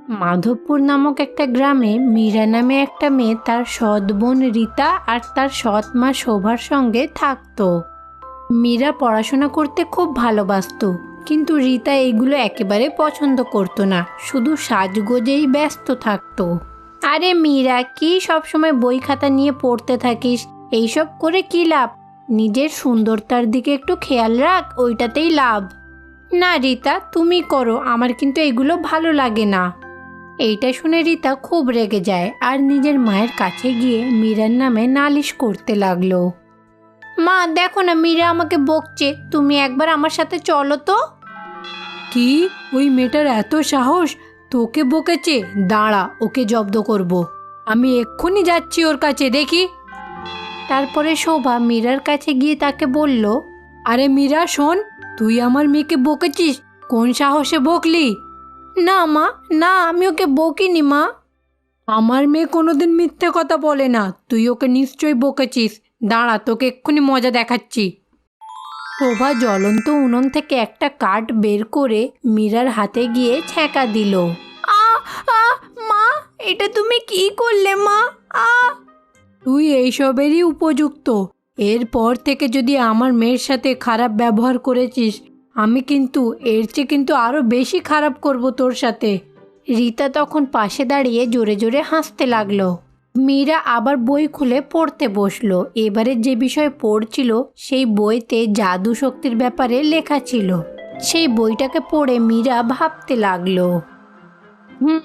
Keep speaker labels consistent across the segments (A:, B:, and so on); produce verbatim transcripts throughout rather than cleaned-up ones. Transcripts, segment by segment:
A: মাধবপুর নামক একটা গ্রামে মীরা নামে একটা মেয়ে তার সৎ বোন রীতা আর তার সৎ মা শোভার সঙ্গে থাকতো। মীরা পড়াশোনা করতে খুব ভালোবাসতো, কিন্তু রীতা এগুলো একেবারে পছন্দ করতো না, শুধু সাজগোজেই ব্যস্ত থাকতো। আরে মীরা, কি সবসময় বই খাতা নিয়ে পড়তে থাকিস? এইসব করে কি লাভ? নিজের সুন্দরতার দিকে একটু খেয়াল রাখ, ওইটাতেই লাভ। না রীতা, তুমি করো, আমার কিন্তু এগুলো ভালো লাগে না। এইটা শুনে রীতা খুব রেগে যায় আর নিজের মায়ের কাছে গিয়ে মীরার নামে নালিশ করতে লাগলো। মা দেখো না, মীরা আমাকে বকছে, তুমি একবার আমার সাথে চলো তো। কি, ওই মেয়েটার এত সাহস? তোকে বকেছে? দাঁড়া, ওকে জব্দ করব। আমি এক্ষুনি যাচ্ছি ওর কাছে, দেখি। তারপরে শোভা মীরার কাছে গিয়ে তাকে বলল, আরে মীরা শোন, তুই আমার মেয়েকে বকেছিস? কোন সাহসে বকলি? না মা, না, আমি ওকে বকিনি মা। আমার মেয়ে কোনোদিন মিথ্যে কথা বলে না, তুই ওকে নিশ্চয়ই বকেছিস। দাঁড়া, তোকে এক্ষুনি মজা দেখাচ্ছি। শোভা জ্বলন্ত উনুন থেকে একটা কাঠ বের করে মীরার হাতে গিয়ে ছ্যাঁকা দিল। আ আ মা, এটা তুমি কি করলে মা? আ তুই এইসবেরই উপযুক্ত। এরপর থেকে যদি আমার মেয়ের সাথে খারাপ ব্যবহার করেছিস, আমি কিন্তু এর চেয়ে কিন্তু আরও বেশি খারাপ করব তোর সাথে। রীতা তখন পাশে দাঁড়িয়ে জোরে জোরে হাসতে লাগলো। মীরা আবার বই খুলে পড়তে বসলো। এবারে যে বিষয় পড়ছিল সেই বইতে জাদু শক্তির ব্যাপারে লেখা ছিল। সেই বইটাকে পড়ে মীরা ভাবতে লাগলো, হুম,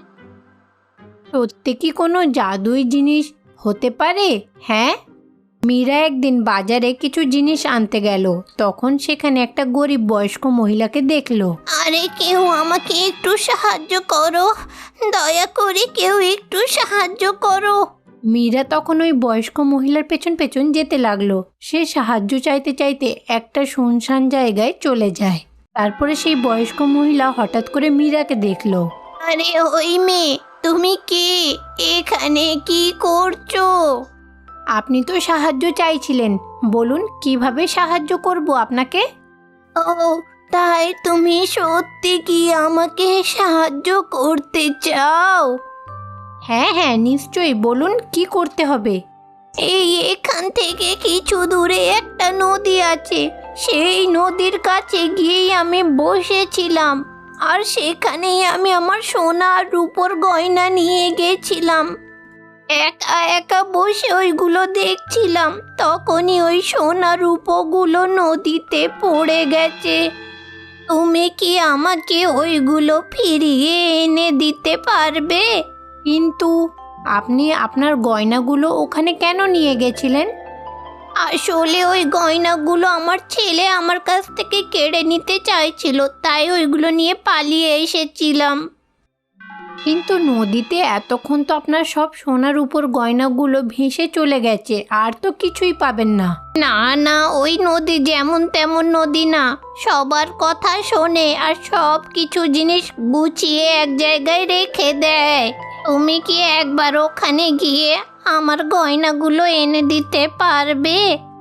A: সত্যি কি কোনো জাদুই জিনিস হতে পারে? হ্যাঁ। মীরা একদিন বাজারে কিছু জিনিস আনতে গেল, তখন সেখানে একটা গরিব বয়স্ক মহিলাকে দেখলো।
B: আরে কেউ আমাকে একটু সাহায্য করো, দয়া করে কেউ একটু সাহায্য করো।
A: মীরা তখন ওই বয়স্ক মহিলার পেছন পেছন যেতে লাগলো। সে সাহায্য চাইতে চাইতে একটা শুনশান জায়গায় চলে যায়। তারপরে সেই বয়স্ক মহিলা হঠাৎ করে মীরাকে দেখলো।
B: আরে ওই মেয়ে, তুমি কে? এখানে কি করছো?
A: আপনি তো সাহায্য চাইছিলেন, বলুন কিভাবে সাহায্য করব আপনাকে?
B: ও তাই, তুমি সত্যি কি আমাকে সাহায্য করতে চাও?
A: হ্যাঁ হ্যাঁ নিশ্চয়ই, বলুন কি করতে হবে।
B: এই এখান থেকে কিছু দূরে একটা নদী আছে, সেই নদীর কাছে গিয়েই আমি বসেছিলাম, আর সেখানেই আমি আমার সোনা আর রূপোর গয়না নিয়ে গেছিলাম। একা একা বসে ওইগুলো দেখছিলাম, তখনই ওই সোনা রূপোগুলো নদীতে পড়ে গেছে। তুমি কি আমাকে ওইগুলো ফিরিয়ে এনে দিতে পারবে?
A: কিন্তু আপনি আপনার গয়নাগুলো ওখানে কেন নিয়ে গেছিলেন?
B: আসলে ওই গয়নাগুলো আমার ছেলে আমার কাছ থেকে কেড়ে নিতে চাইছিল, তাই ওইগুলো নিয়ে পালিয়ে এসেছিলাম।
A: কিন্তু নদীতে এতক্ষণ তো আপনার সব সোনার উপর গয়নাগুলো ভেসে চলে গেছে, আর তো কিছুই পাবেন না।
B: না না, ওই নদী যেমন তেমন নদী না, সবার কথা শোনে আর সব কিছু জিনিস গুছিয়ে এক জায়গায় রেখে দেয়। তুমি কি একবার ওখানে গিয়ে আমার গয়নাগুলো এনে দিতে পারবে?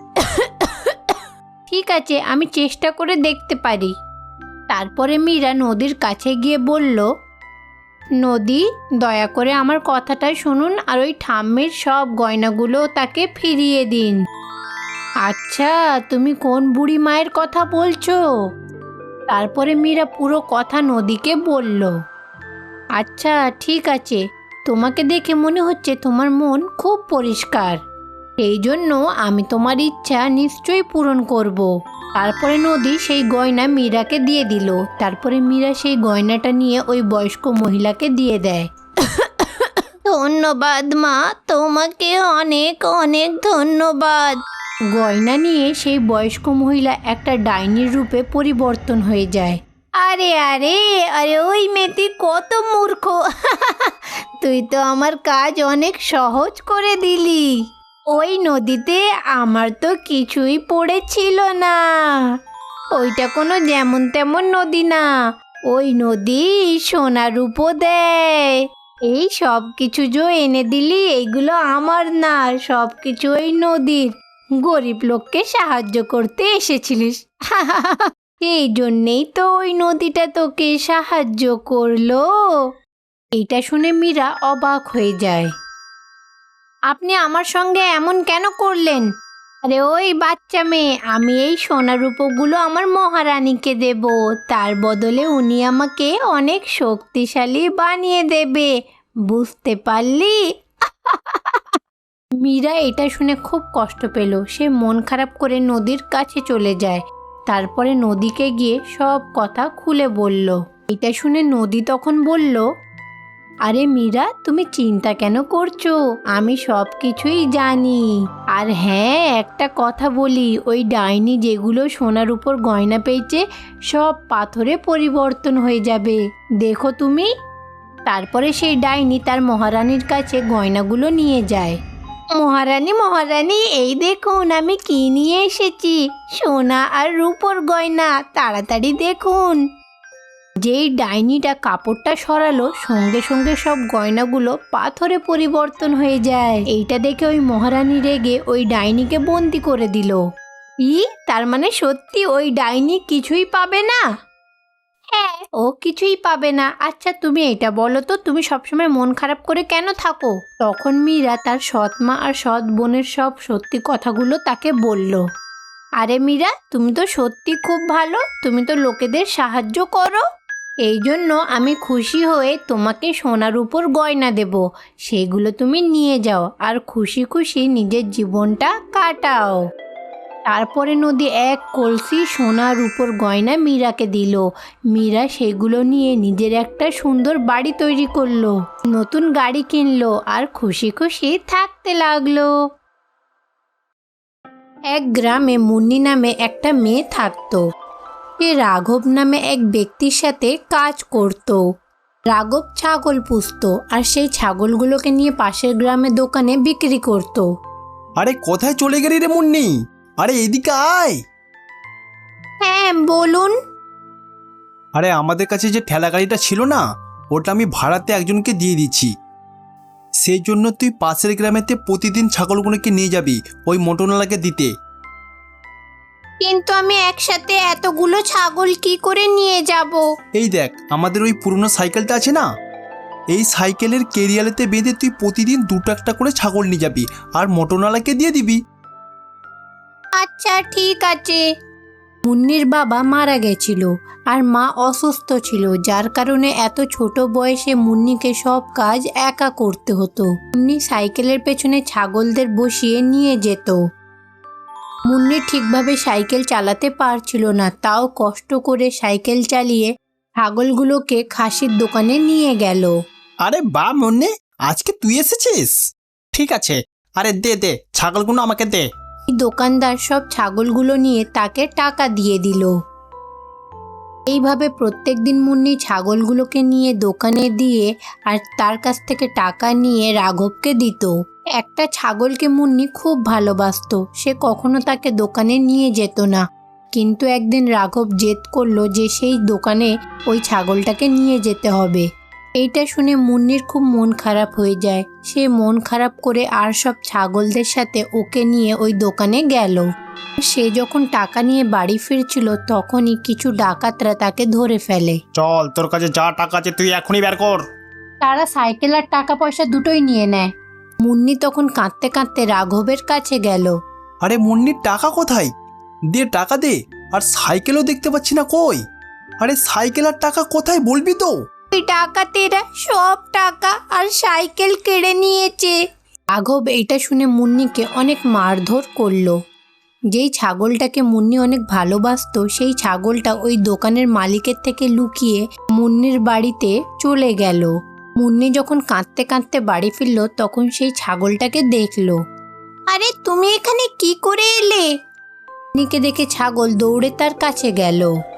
A: ঠিক আছে, আমি চেষ্টা করে দেখতে পারি। তারপরে মীরা নদীর কাছে গিয়ে বলল, নদী, দয়া করে আমার কথাটা শুনুন আর ওই ঠাম্মির সব গয়নাগুলো তাকে ফিরিয়ে দিন। আচ্ছা, তুমি কোন বুড়ি মায়ের কথা বলছো? তারপরে মীরা পুরো কথা নদীকে বলল। আচ্ছা ঠিক আছে, তোমাকে দেখে মনে হচ্ছে তোমার মন খুব পরিষ্কার, এই জন্য আমি তোমার ইচ্ছা নিশ্চয়ই পূরণ করব। তারপরে নদী সেই গয়না মীরাকে দিয়ে দিল। তারপরে মীরা সেই গয়নাটা নিয়ে ওই বয়স্ক মহিলাকে দিয়ে দেয়।
B: ধন্যবাদ মা, তোমাকে অনেক অনেক ধন্যবাদ।
A: গয়না নিয়ে সেই বয়স্ক মহিলা একটা ডাইনির রূপে পরিবর্তন হয়ে যায়।
B: আরে আরে আরে ওই মেয়েটি কত মূর্খ! তুই তো আমার কাজ অনেক সহজ করে দিলি। ওই নদীতে আমার তো কিছুই পড়েছিল না। ওইটা কোনো যেমন তেমন নদী না, ওই নদী সোনা রূপো দেয়। এই সব কিছু যে এনে দিলি, এইগুলো আমার না, সব কিছু ওই নদীর। গরিব লোককে সাহায্য করতে এসেছিলিস, এই জন্যেই তো ওই নদীটা তোকে সাহায্য করলো।
A: এটা শুনে মীরা অবাক হয়ে যায়।
B: আপনি আমার সঙ্গে এমন কেন করলেন? আরে ওই বাচ্চা মেয়ে, আমি এই সোনা রূপোগুলো আমার মহারানীকে দেব, তার বদলে উনি আমাকে অনেক শক্তিশালী বানিয়ে দেবে, বুঝতে পারলি?
A: মীরা এটা শুনে খুব কষ্ট পেল। সে মন খারাপ করে নদীর কাছে চলে যায়। তারপরে নদীকে গিয়ে সব কথা খুলে বলল। এটা শুনে নদী তখন বলল, আরে মীরা, তুমি চিন্তা কেন করছো? আমি সব কিছুই জানি। আর হ্যাঁ, একটা কথা বলি, ওই ডাইনি যেগুলো সোনার উপর গয়না পেয়েছে সব পাথরে পরিবর্তন হয়ে যাবে, দেখো তুমি। তারপরে সেই ডাইনি তার মহারানীর কাছে গয়নাগুলো নিয়ে যায়।
B: মহারানী মহারানী, এই দেখুন আমি কি নিয়ে এসেছি, সোনা আর রূপোর গয়না, তাড়াতাড়ি দেখুন।
A: যেই ডাইনিটা কাপড়টা সরালো, সঙ্গে সঙ্গে সব গয়নাগুলো পাথরে পরিবর্তন হয়ে যায়। এইটা দেখে ওই মহারানী রেগে ওই ডাইনিকে বন্দি করে দিল। ই তার মানে সত্যি ওই ডাইনি কিছুই পাবে না?
B: হ্যাঁ,
A: ও কিছুই পাবে না। আচ্ছা তুমি এটা বলো তো, তুমি সবসময় মন খারাপ করে কেন থাকো? তখন মীরা তার সৎ মা আর সৎ বোনের সব সত্যি কথাগুলো তাকে বলল। আরে মীরা, তুমি তো সত্যি খুব ভালো, তুমি তো লোকেদের সাহায্য করো, এই জন্য আমি খুশি হয়ে তোমাকে সোনার উপর গয়না দেব, সেগুলো তুমি নিয়ে যাও আর খুশি খুশি নিজের জীবনটা কাটাও। তারপরে নদী এক কলসি সোনার উপর গয়না মীরাকে দিল। মীরা সেগুলো নিয়ে নিজের একটা সুন্দর বাড়ি তৈরি করলো, নতুন গাড়ি কিনলো আর খুশি খুশি থাকতে লাগলো। এক গ্রামে মুন্নি নামে একটা মেয়ে থাকতো। সে রাঘব নামে এক ব্যক্তির সাথে কাজ করত। রাঘব ছাগল পুষত আর সেই ছাগলগুলোকে নিয়ে পাশের গ্রামের দোকানে বিক্রি করত।
C: আরে কোথায় চলে গেলি রে মুন্নি? আরে এদিকে আয়।
B: হ্যাঁ বলুন।
C: আরে আমাদের কাছে যে ঠেলা গাড়িটা ছিল না, ওটা আমি ভাড়াতে একজনকে দিয়ে দিচ্ছি। সেই জন্য তুই পাশের গ্রামেতে প্রতিদিন ছাগলগুলোকে নিয়ে যাবি ওই মোটরওয়ালাকে দিতে।
B: কিন্তু আমি একসাথে এতগুলো ছাগল কি করে নিয়ে যাব?
C: এই দেখ, আমাদের ওই পুরনো সাইকেলটা আছে না, এই সাইকেলের কেরিয়ালেতে বেঁধে তুই প্রতিদিন দুটো একটা করে ছাগল নিয়ে যাবি আর মোটরওয়ালাকে দিয়ে দিবি।
B: আচ্ছা ঠিক আছে।
A: মুন্নির বাবা মারা গেছিল আর মা অসুস্থ ছিল, যার কারণে এত ছোট বয়সে মুন্নিকে সব কাজ একা করতে হতো। মুন্নি সাইকেলের পেছনে ছাগলদের বসিয়ে নিয়ে যেত। মুন্নি ঠিকভাবে সাইকেল চালাতে পারছিল না, তাও কষ্ট করে সাইকেল চালিয়ে ছাগলগুলোকে খাসির দোকানে নিয়ে গেল।
C: আরে বা মুন্নি, আজকে তুই এসেছিস? ঠিক আছে, আরে দে দে ছাগলগুলো আমাকে দে।
A: দোকানদার সব ছাগলগুলো নিয়ে তাকে টাকা দিয়ে দিল। এইভাবে প্রত্যেক দিন মুন্নি ছাগলগুলোকে নিয়ে দোকানে দিয়ে আর তার কাছ থেকে টাকা নিয়ে রাঘবকে দিত। একটা ছাগলকে মুন্নি খুব ভালোবাসতো, সে কখনো তাকে দোকানে নিয়ে যেত না। কিন্তু একদিন রাঘব জেদ করলো যে সেই দোকানে ওই ছাগলটাকে নিয়ে যেতে হবে। এইটা শুনে মুন্নির খুব মন খারাপ হয়ে যায়। সে মন খারাপ করে আর সব ছাগলদের সাথে ওকে নিয়ে ওই দোকানে গেল। সে যখন টাকা নিয়ে বাড়ি ফিরছিল তখনই কিছু ডাকাতরা তাকে ধরে ফেলে।
C: চল, তোর কাছে যা টাকা আছে তুই এখনই বের কর।
A: তারা সাইকেল আর টাকা পয়সা দুটোই নিয়ে নেয়। মুন্নি তখন কাঁদতে কাঁদতে রাঘবের কাছে গেল।
C: আরে মুন্নির টাকা কোথায়? দে টাকা দে। আর সাইকেলও দেখতে পাচ্ছি না, কই? আরে সাইকেল আর টাকা কোথায় বলবি তো?
B: ওই ডাকাতেরা সব টাকা আর সাইকেল কেড়ে নিয়েছে।
A: রাঘব এইটা শুনে মুন্নিকে অনেক মারধর করলো। যেই ছাগলটাকে মুন্নি অনেক ভালোবাসতো সেই ছাগলটা ওই দোকানের মালিকের থেকে লুকিয়ে মুন্নির বাড়িতে চলে গেল। মুন্নি যখন কাঁদতে কাঁদতে বাড়ি ফিরল তখন সেই ছাগলটাকে দেখলো।
B: আরে তুমি এখানে কি করে এলে?
A: মুন্নিকে দেখে ছাগল দৌড়ে তার কাছে গেল।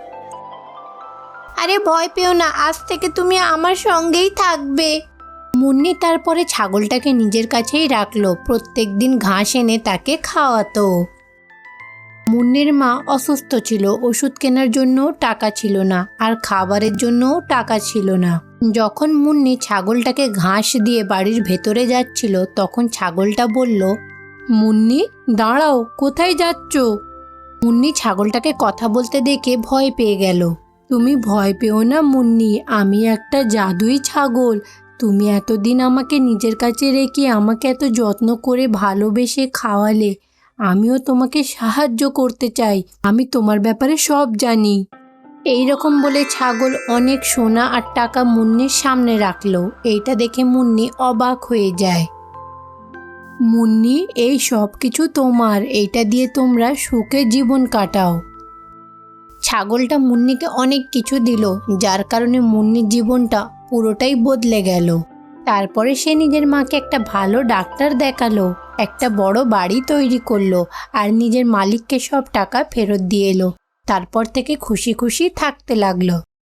B: আরে ভয় পেও না, আজ থেকে তুমি আমার সঙ্গেই থাকবে।
A: মুন্নি তারপরে ছাগলটাকে নিজের কাছেই রাখলো, প্রত্যেক দিন ঘাস এনে তাকে খাওয়াতো। মুন্নির মা অসুস্থ ছিল, ওষুধ কেনার জন্য টাকা ছিল না আর খাবারের জন্যও টাকা ছিল না। যখন মুন্নি ছাগলটাকে ঘাস দিয়ে বাড়ির ভেতরে যাচ্ছিল তখন ছাগলটা বলল, মুন্নি দাঁড়াও, কোথায় যাচ্ছ? মুন্নি ছাগলটাকে কথা বলতে দেখে ভয় পেয়ে গেল। তুমি ভয় পেও না মুন্নি, আমি একটা জাদুই ছাগল, তুমি এতদিন আমাকে নিজের কাছে রেখে আমাকে এত যত্ন করে ভালোবেসে খাওয়ালে, আমিও তোমাকে সাহায্য করতে চাই। আমি তোমার ব্যাপারে সব জানি। এই রকম বলে ছাগল অনেক সোনা আর টাকা মুন্নির সামনে রাখলো। এইটা দেখে মুন্নি অবাক হয়ে যায়। মুন্নি, এই সব কিছু তোমার, এইটা দিয়ে তোমরা সুখে জীবন কাটাও। ছাগলটা মুন্নিকে অনেক কিছু দিল, যার কারণে মুন্নির জীবনটা পুরোটাই বদলে গেল। তারপরে সে নিজের মাকে একটা ভালো ডাক্তার দেখালো, একটা বড় বাড়ি তৈরি করলো আর নিজের মালিককে সব টাকা ফেরত দিয়ে এলো। তারপর থেকে খুশি খুশি থাকতে লাগলো।